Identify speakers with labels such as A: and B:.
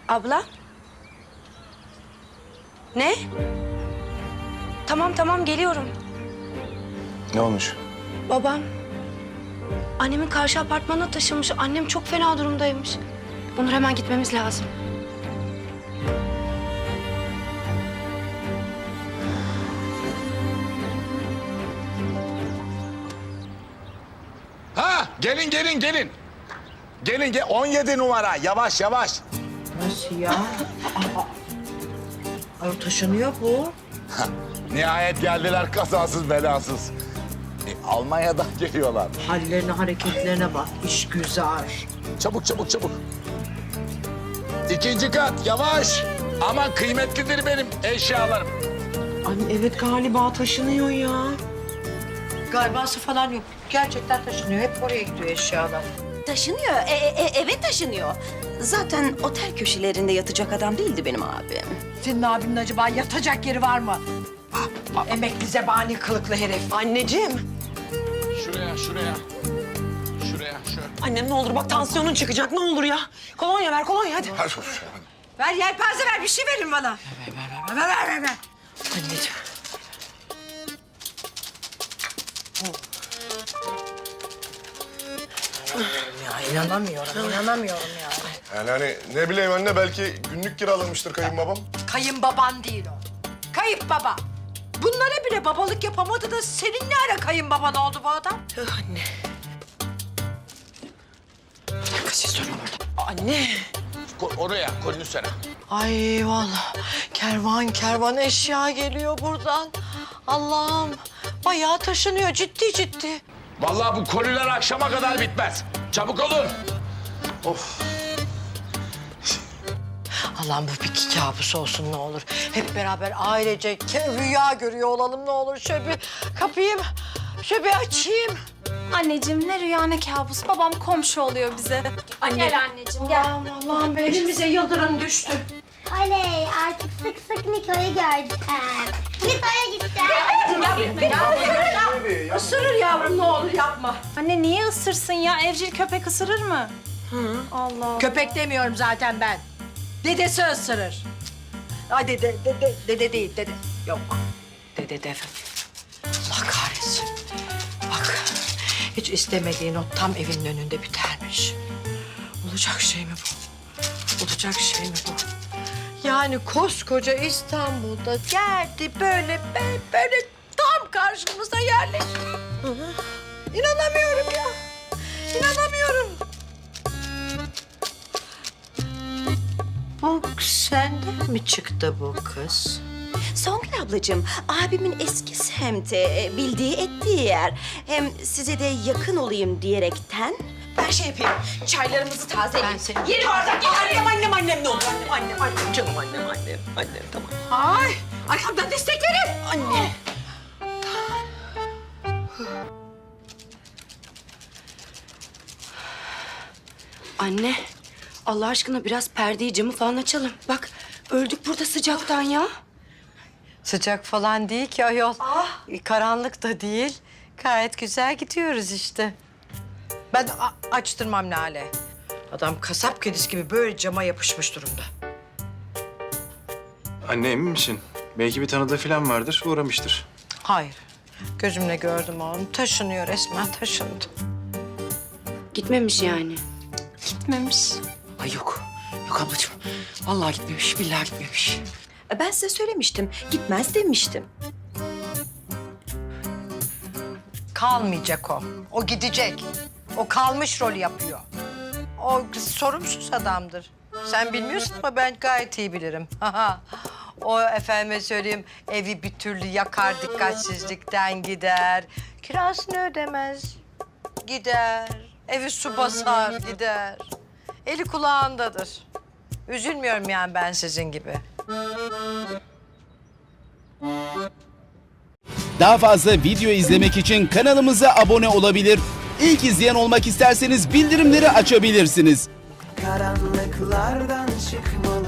A: Abla? Ne? Tamam geliyorum.
B: Ne olmuş?
A: Babam annemin karşı apartmana taşınmış. Annem çok fena durumdaymış. Onur hemen gitmemiz lazım.
B: Ha, gelin. Gelin 17 numara. Yavaş.
C: Nasıl ya? Ay taşınıyor bu.
B: Nihayet geldiler kazasız belasız. Almanya'dan geliyorlar.
C: Hallerine, hareketlerine bak. İş güzel.
B: Çabuk. İkinci kat, yavaş. Aman kıymetlidir benim eşyalarım.
C: Anne evet galiba taşınıyor ya. Galibası falan yok. Gerçekten taşınıyor. Hep oraya gidiyor eşyalar.
D: Taşınıyor, eve taşınıyor. Zaten otel köşelerinde yatacak adam değildi benim abim.
C: Senin abinin acaba yatacak yeri var mı? Emekli zebani kılıklı herif.
E: Anneciğim.
B: Şuraya. Şöyle.
E: Annem ne olur bak tansiyonun çıkacak ne olur ya. Kolonya ver kolonya hadi.
C: Ver yelpaze ver bir şey verin bana. Ver.
E: Anneciğim.
C: Ya inanamıyorum ya.
F: Yani hani ne bileyim anne belki günlük kiralamıştır kayınbabam.
C: Kayınbaban değil o. Kayıp baba. Bunlara bile babalık yapamadı da senin ne ara kayınbaban oldu bu adam?
E: Anne. Kaçı sorun orada. Anne.
B: Oraya, koyun üstüne.
E: Ay vallahi kervan eşya geliyor buradan. Allah'ım bayağı taşınıyor ciddi.
B: Vallahi bu koliler akşama kadar bitmez. Çabuk olun.
E: Allah'ım bu bir kabus olsun ne olur. Hep beraber ailece rüya görüyor olalım ne olur. Şöyle bir kapayım, şöyle bir açayım.
G: Anneciğim ne rüya ne kabus. Babam komşu oluyor bize. Gel anneciğim gel.
E: Allah'ım be elimize yıldırım düştü.
H: Oley artık sık Niko'yu gördüm. Niko'ya gideceğim.
C: Isırır yavrum ne olur yapma.
G: Anne niye ısırsın ya? Evcil köpek ısırır mı? Allah.
C: Köpek demiyorum zaten ben. Dedesi ısırır. Ay dede değil dede. Yok. Dede.
E: Allah kahretsin. Bak hiç istemediğin o tam evinin önünde bitermiş. Olacak şey mi bu? Olacak şey mi bu? Yani koskoca İstanbul'da geldi böyle tam karşımıza yerleşti. İnanamıyorum ya. İnanamıyorum. Bu senden mi çıktı bu kız?
D: Songül ablacığım, abimin eski semti, bildiği ettiği yer. Hem size de yakın olayım diyerekten.
E: Ben şey yapayım, çaylarımızı tazeleyeyim. Ben seni... Yeri oradan annem ne olur. Annem, canım annem tamam.
C: Ay arkamdan destek verin.
E: Anne.
A: Anne, Allah aşkına biraz perdeyi, camı falan açalım. Bak, öldük burada sıcaktan ya.
I: Sıcak falan değil ki ayol. Karanlık da değil. Gayet güzel gidiyoruz işte.
C: Ben açtırmam Lale. Adam kasap kedisi gibi böyle cama yapışmış durumda.
J: Anne emin misin? Belki bir tanıdığı falan vardır, uğramıştır.
I: Hayır. Gözümle gördüm oğlum. Taşınıyor resmen taşındı.
A: Gitmemiş yani.
E: Gitmemiş. Ay yok ablacığım. Vallahi gitmemiş, billahi gitmemiş.
D: Ben size söylemiştim, gitmez demiştim.
I: Kalmayacak o. O gidecek. O kalmış rolü yapıyor. O sorumsuz adamdır. Sen bilmiyorsun ama ben gayet iyi bilirim. O efendime söyleyeyim evi bir türlü yakar dikkatsizlikten gider. Kirasını ödemez. Gider. Evi su basar gider. Eli kulağındadır. Üzülmüyorum yani ben sizin gibi.
K: Daha fazla video izlemek için kanalımıza abone olabilir. İlk izleyen olmak isterseniz bildirimleri açabilirsiniz.
L: Karanlıklardan çıkmalı